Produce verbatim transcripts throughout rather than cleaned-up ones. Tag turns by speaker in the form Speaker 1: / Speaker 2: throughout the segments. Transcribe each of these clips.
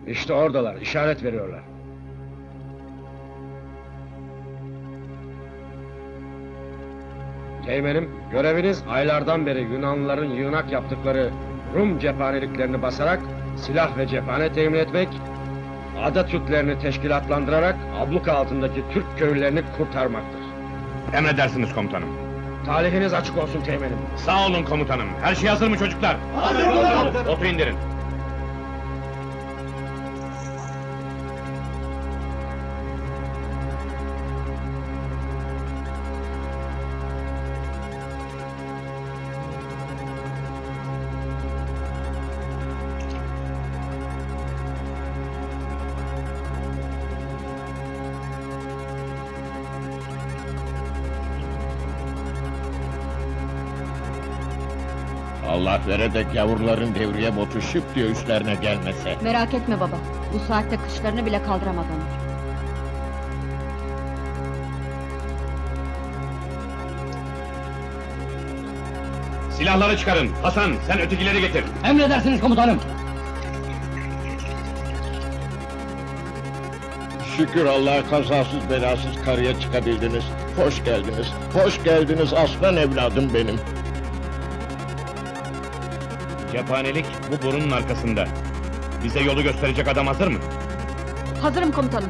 Speaker 1: İşte oradalar, işaret veriyorlar. Teğmenim, göreviniz aylardan beri Yunanlıların yığınak yaptıkları Rum cephaneliklerini basarak silah ve cephane temin etmek, ada Türklerini teşkilatlandırarak abluka altındaki Türk köylülerini kurtarmaktır.
Speaker 2: Emredersiniz komutanım.
Speaker 1: Talihiniz açık olsun teğmenim.
Speaker 2: Sağ olun komutanım. Her şey hazır mı çocuklar?
Speaker 3: Hazır komutanım.
Speaker 2: Botu indirin.
Speaker 4: Allah vere de gavurların devriye botu şıp diye üstlerine gelmese.
Speaker 5: Merak etme baba, bu saatte kışlarını bile kaldıramaz onlar.
Speaker 2: Silahları çıkarın. Hasan, sen ötekileri getir.
Speaker 3: Emredersiniz komutanım.
Speaker 4: Şükür Allah'a kazasız belasız karıya çıkabildiniz. Hoş geldiniz, hoş geldiniz aslan evladım benim.
Speaker 2: Cephanelik bu borunun arkasında. Bize yolu gösterecek adam hazır mı?
Speaker 5: Hazırım komutanım.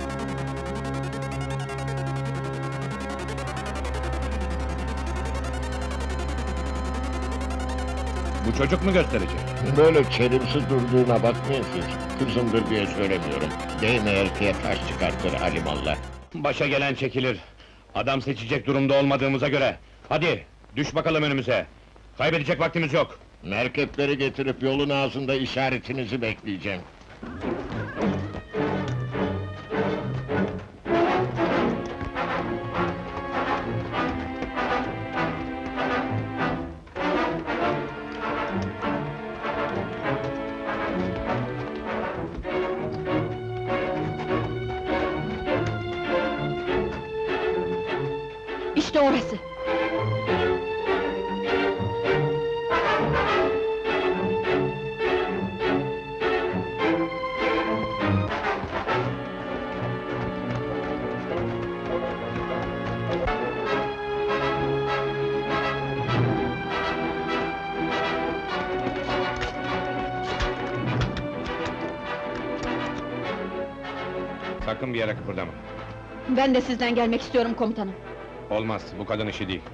Speaker 2: Bu çocuk mu gösterecek?
Speaker 4: Böyle çelimsiz durduğuna bakmayın siz. Kızımdır diye söylemiyorum. Değme erkeğe taş çıkartır alimallah.
Speaker 2: Başa gelen çekilir. Adam seçecek durumda olmadığımıza göre. Hadi, düş bakalım önümüze. Kaybedecek vaktimiz yok.
Speaker 4: Merkepleri getirip yolun ağzında işaretinizi bekleyeceğim.
Speaker 5: İşte orası.
Speaker 2: Sakın bir yere kıpırdama.
Speaker 5: Ben de sizden gelmek istiyorum komutanım.
Speaker 2: Olmaz, bu kadın işi değil.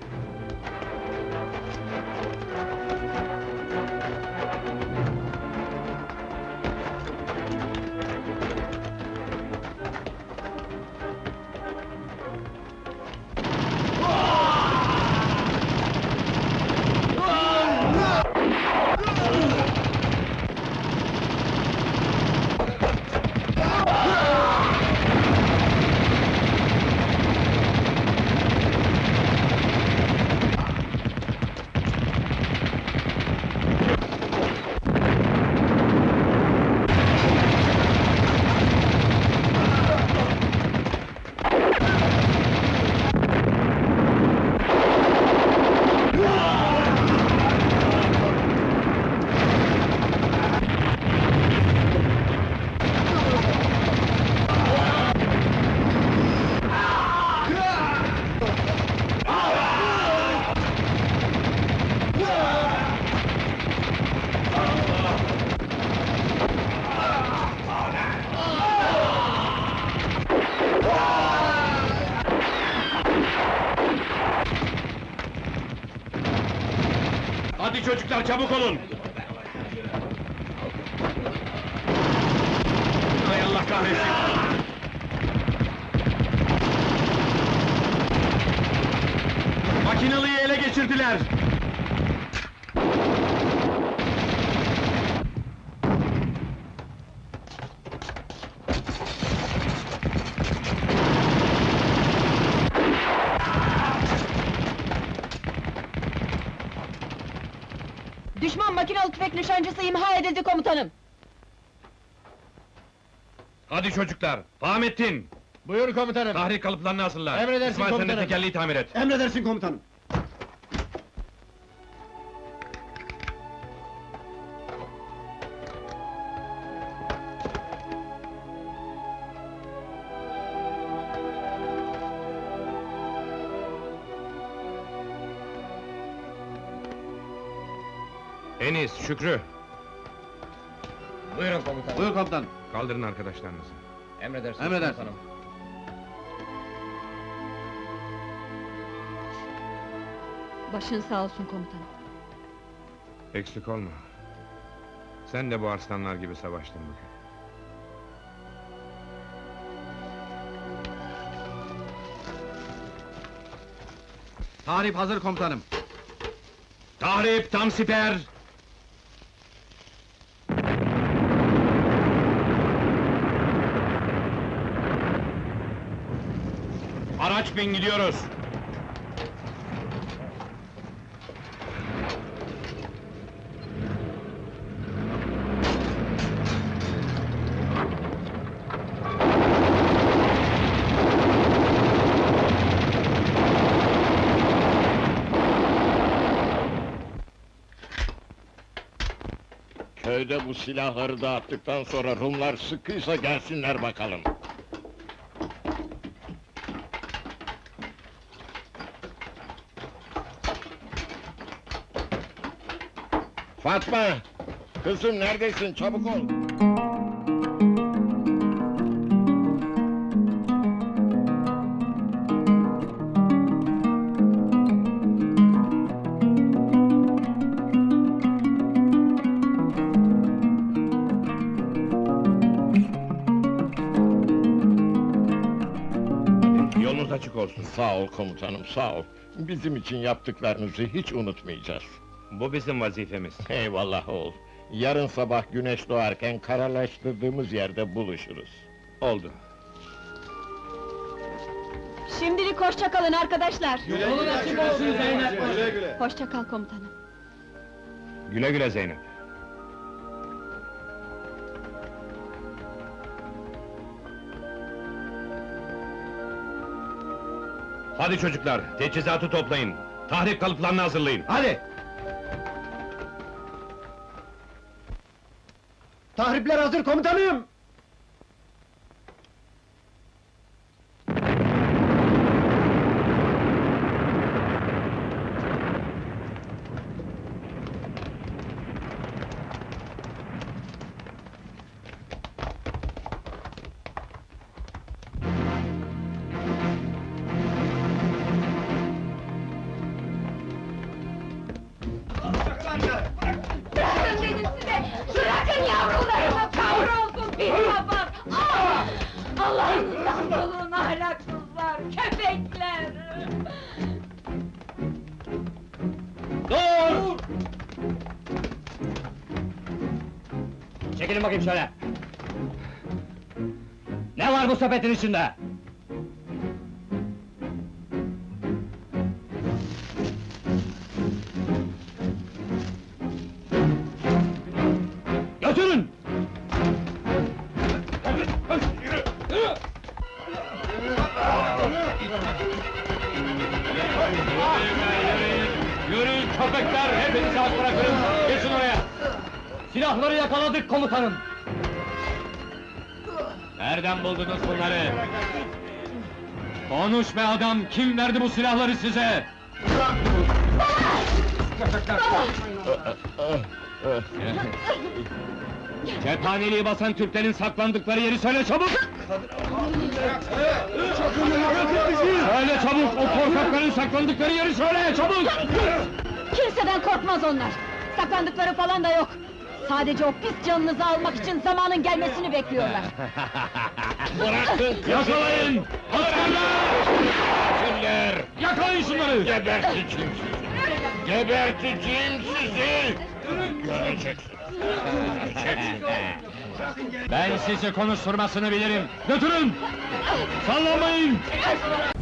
Speaker 2: Hadi çocuklar, çabuk olun! Hay Allah kahretsin! Makinalıyı ele geçirdiler!
Speaker 5: Düşman makinalı tüfek nişancısı imha edildi komutanım.
Speaker 2: Hadi çocuklar, Fahmettin!
Speaker 3: Buyur komutanım.
Speaker 2: Tahrik kalıplarını hazırla.
Speaker 3: Emredersin
Speaker 2: İsmail sen de
Speaker 3: komutanım.
Speaker 2: tekerleği tamir et.
Speaker 3: Emredersin komutanım.
Speaker 2: Enis, Şükrü,
Speaker 3: Buyurun komutanım. Buyur komutanım.
Speaker 2: kaldırın arkadaşlarınızı.
Speaker 3: Emredersiniz. Emredersiniz.
Speaker 5: Başın sağ olsun komutanım.
Speaker 2: Eksik olma. Sen de bu arslanlar gibi savaştın bugün.
Speaker 3: Tahrip hazır komutanım.
Speaker 2: Tahrip tam siper! Araç bin gidiyoruz!
Speaker 4: Köyde bu silahları dağıttıktan sonra Rumlar sıkıysa gelsinler bakalım. Fatma! Kızım neredesin? Çabuk ol!
Speaker 2: Yolunuz açık olsun.
Speaker 4: Sağ ol komutanım, sağ ol. Bizim için yaptıklarınızı hiç unutmayacağız.
Speaker 2: Bu bizim vazifemiz.
Speaker 4: Eyvallah oğul. Yarın sabah güneş doğarken kararlaştırdığımız yerde buluşuruz.
Speaker 2: Oldu.
Speaker 5: Şimdilik hoşça kalın arkadaşlar.
Speaker 3: Yolun açık olsun Zeynep. Güle güle.
Speaker 5: Hoşça kal komutanım.
Speaker 2: Güle güle Zeynep. Hadi çocuklar, teçhizatı toplayın. Tahrip kalıplarını hazırlayın.
Speaker 3: Hadi. Tahripler hazır komutanım.
Speaker 5: Bırakın dedim size! Bırakın yavrularımı kavrulsun pis papaz! Ah! Allah'ınızdan bulun ahlaksızlar, köpekler!
Speaker 3: Dur! Çekilin bakayım şöyle. Ne var bu sepetin içinde? Götürün!
Speaker 2: Yürüyün köpekler, hepinizi rahat bırakın. Geçin oraya.
Speaker 3: Silahları yakaladık komutanım.
Speaker 2: Nereden buldunuz bunları? Konuş be adam, kim verdi bu silahları size? Cephaneliği basan Türklerin saklandıkları yeri söyle çabuk! Söyle çabuk, o korkakların saklandıkları yeri söyle çabuk!
Speaker 5: Kimseden korkmaz onlar! Saklandıkları falan da yok! Sadece o pis canınızı almak için zamanın gelmesini bekliyorlar!
Speaker 4: Bırakın!
Speaker 2: Yakalayın! Askerler!
Speaker 4: Askerler!
Speaker 2: Yakalayın şunları!
Speaker 4: Geberteceğim sizi! Geberteceğim sizi! Göreceksiniz! Göreceksiniz!
Speaker 2: Ben sizi konuşturmasını bilirim! Götürün! Sallanmayın!